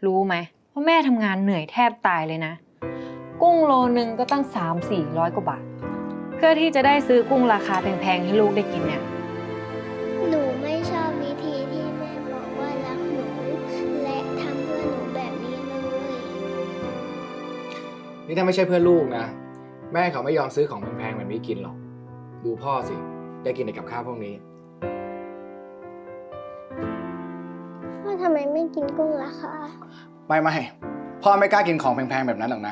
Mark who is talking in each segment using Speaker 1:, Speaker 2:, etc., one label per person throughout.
Speaker 1: รู้ไหมว่าแม่ทำงานเหนื่อยแทบตายเลยนะกุ้งโลนึงก็ตั้ง300-400 กว่าบาทเพื่อที่จะได้ซื้อกุ้งราคาแพงๆให้ลูกได้กินเนี่ย
Speaker 2: หนูไม่ชอบวิธีที่แม่บอกว่ารักหนูและทำเพื่อหนูแบบนี้เลย
Speaker 3: นี่ถ้าไม่ใช่เพื่อนลูกนะแม่เขาไม่ยอมซื้อของแพงๆแบบนี้กินหรอกดูพ่อสิได้กินแต่กับข้าวพวกนี้
Speaker 2: พ่อทำไมไม่กินกุ้งล่ะคะ
Speaker 3: ไม่พ่อไม่กล้ากินของแพงๆแบบนั้นหรอกนะ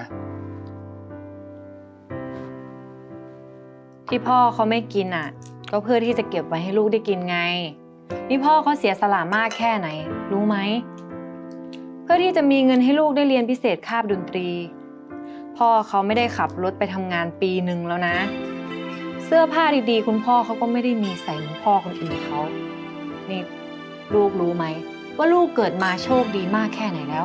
Speaker 1: ที่พ่อเขาไม่กินอ่ะก็เพื่อที่จะเก็บไว้ให้ลูกได้กินไงนี่พ่อเขาเสียสละมากแค่ไหนรู้ไหมเพื่อที่จะมีเงินให้ลูกได้เรียนพิเศษคาบดนตรีพ่อเขาไม่ได้ขับรถไปทำงานปีหนึ่งแล้วนะเสื้อผ้าดีๆคุณพ่อเขาก็ไม่ได้มีใส่เหมือนพ่อคนอื่นเขานี่ลูกรู้ไหมว่าลูกเกิดมาโชคดีมากแค่ไหนแล้ว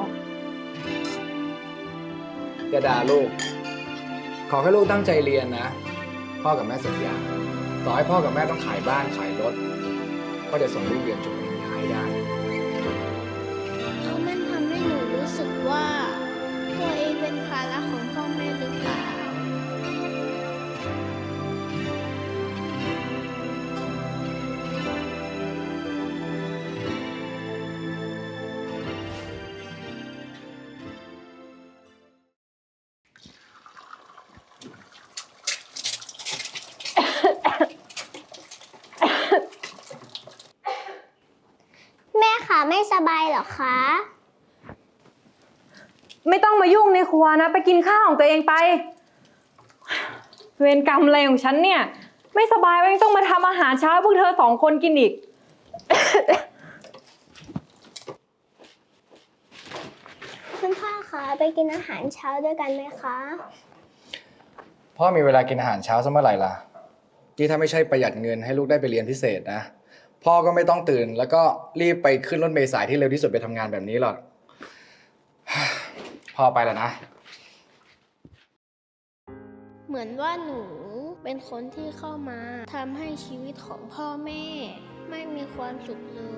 Speaker 3: อย่าด่าลูกขอให้ลูกตั้งใจเรียนนะพ่อกับแม่สัญญาต่อให้พ่อกับแม่ต้องขายบ้านขายรถก็จะส่งลูกเรียนจบปริญญาให้ได้
Speaker 2: เพราะมันทำให้หนูรู้สึกว่าตัวเองเป็นภาระของพ่อแม่หรือเปล่าแม่คะไม่สบายเหรอคะ
Speaker 1: ไม่ต้องมายุ่งในครัวนะไปกินข้าวของตัวเองไปเวรกรรมอะไรของฉันเนี่ยไม่สบายก็ยังต้องมาทำอาหารเช้าพวกเธอ2 คนกินอีก
Speaker 2: คุณพ่อคะไปกินอาหารเช้าด้วยกันไหมคะ
Speaker 3: พ่อมีเวลากินอาหารเช้าสักเมื่อไหร่ล่ะที่ถ้าไม่ใช่ประหยัดเงินให้ลูกได้ไปเรียนพิเศษนะพ่อก็ไม่ต้องตื่นแล้วก็รีบไปขึ้นรถเมล์สายที่เร็วที่สุดไปทำงานแบบนี้หรอก พ่อไปแล้วนะ
Speaker 2: เหมือนว่าหนูเป็นคนที่เข้ามาทำให้ชีวิตของพ่อแม่ไม่มีความสุขเลย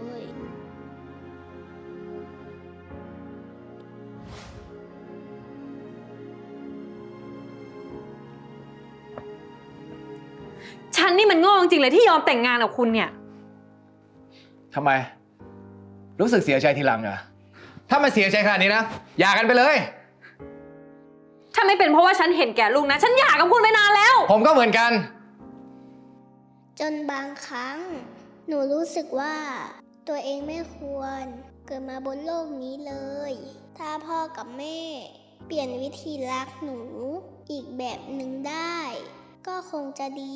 Speaker 1: ฉันนี่มันโง่จริงๆเลยที่ยอมแต่งงานกับคุณเนี่ย
Speaker 3: ทำไม รู้สึกเสียใจทีหลังเหรอถ้ามันเสียใจขนาดนี้นะหย่ากันไปเลย
Speaker 1: ถ้าไม่เป็นเพราะว่าฉันเห็นแก่ลูกนะฉันหย่ากับคุณไปนานแล้ว
Speaker 3: ผมก็เหมือนกัน
Speaker 2: จนบางครั้ง หนูรู้สึกว่าตัวเองไม่ควรเกิดมาบนโลกนี้เลย ถ้าพ่อกับแม่เปลี่ยนวิธีรักหนูอีกแบบหนึ่งได้ ก็คงจะดี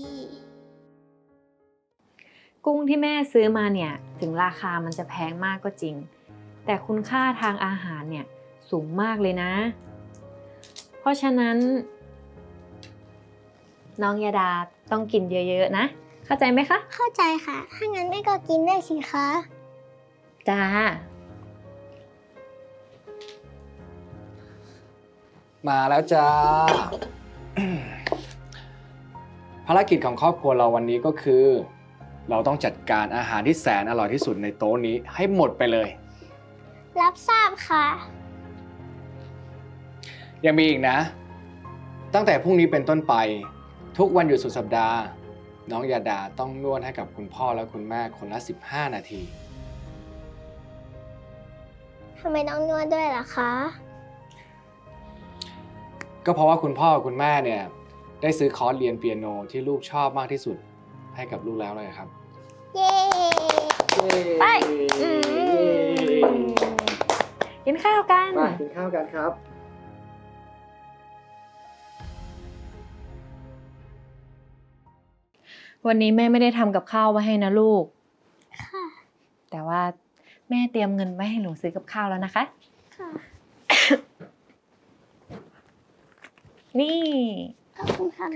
Speaker 1: กุ้งที่แม่ซื้อมาเนี่ยถึงราคามันจะแพงมากก็จริงแต่คุณค่าทางอาหารเนี่ยสูงมากเลยนะเพราะฉะนั้นน้องยาดาต้องกินเยอะๆนะเข้าใจไหมคะ
Speaker 2: เข้าใจค่ะ ถ้างั้นแม่ก็กินได้สิคะ
Speaker 1: จ้า
Speaker 3: มาแล้วจ้า ภารกิจของครอบครัวเราวันนี้ก็คือ เราต้องจัดการอาหารที่แสนอร่อยที่สุดในโต๊ะนี้ให้หมดไปเลย
Speaker 2: รับทราบค่ะ
Speaker 3: ยังมีอีกนะ ตั้งแต่พรุ่งนี้เป็นต้นไปทุกวันหยุดสุดสัปดาห์น้องยาดาต้องนวดให้กับคุณพ่อและคุณแม่คนละ15 นาที
Speaker 2: ทำไมต้องนวดด้วยล่ะคะ
Speaker 3: ก็เพราะว่าคุณพ่อคุณแม่เนี่ยได้ซื้อคอร์สเรียนเปียโนที่ลูกชอบมากที่สุดให้กับลูกแล้วเลยครับ
Speaker 2: เย้
Speaker 1: ไปกินข้าวกัน
Speaker 3: มากินข้าวกันครับ
Speaker 1: วันนี้แม่ไม่ได้ทำกับข้าวไว้ให้นะลูก
Speaker 2: ค่ะ
Speaker 1: แต่ว่าแม่เตรียมเงินไว้ให้หนูซื้อกับข้าวแล้วนะคะ
Speaker 2: ค่ะ
Speaker 1: นี่
Speaker 2: ขอบคุณค่ะแม่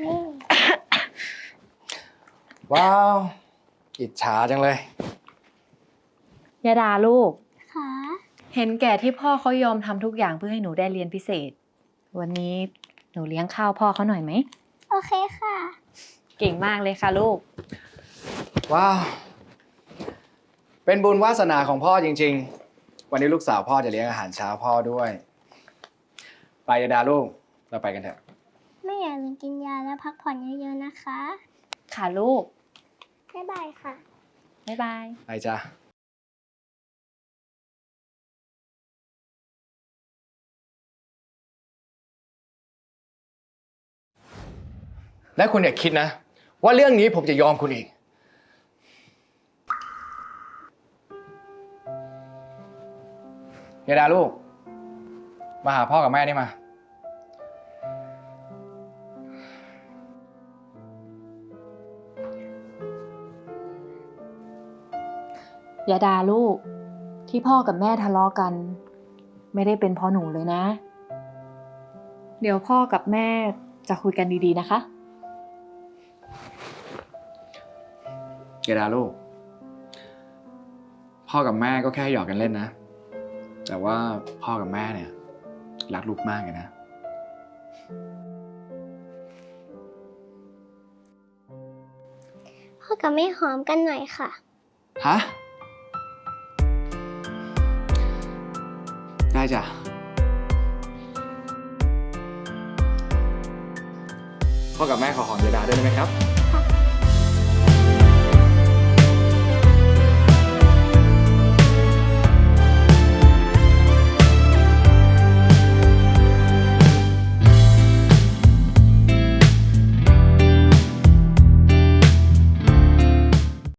Speaker 3: ว้าวอิจฉาจังเลย
Speaker 1: ยาดาลูก
Speaker 2: ค่ะ
Speaker 1: เห็นแก่ที่พ่อเขายอมทำทุกอย่างเพื่อให้หนูได้เรียนพิเศษ วันนี้หนูเลี้ยงข้าวพ่อเขาหน่อยไหม
Speaker 2: โอเคค่ะ
Speaker 1: เก่งมากเลยค่ะลูก
Speaker 3: ว้าว เป็นบุญวาสนาของพ่อจริงวันนี้ลูกสาวพ่อจะเลี้ยงอาหารเช้าพ่อด้วย ไปยาดาลูก เราไปกันเถอะ
Speaker 2: แม่อย่าลืมกินยาและพักผ่อนเยอะๆนะคะ
Speaker 1: ค่ะลูก
Speaker 2: บ๊ายบายค่ะ
Speaker 1: บ๊ายบาย
Speaker 3: ไปจ้ะและคุณอย่าคิดนะ ว่าเรื่องนี้ผมจะยอมคุณอีก ยาดาลูก มาหาพ่อกับแม่นี่มา
Speaker 1: ยาดาลูก ที่พ่อกับแม่ทะเลาะกัน ไม่ได้เป็นเพราะหนูเลยนะ เดี๋ยวพ่อกับแม่จะคุยกันดีๆนะคะ
Speaker 3: ยาดาลูก พ่อกับแม่ก็แค่หยอกกันเล่นนะ แต่ว่าพ่อกับแม่เนี่ยรักลูกมากเลยนะ
Speaker 2: พ่อกับแม่หอมกันหน่อยค่ะ
Speaker 3: ฮะ ได้จ้ะ พ่อกับแม่ขอหอมยาดาด้วยได้ไหมครับ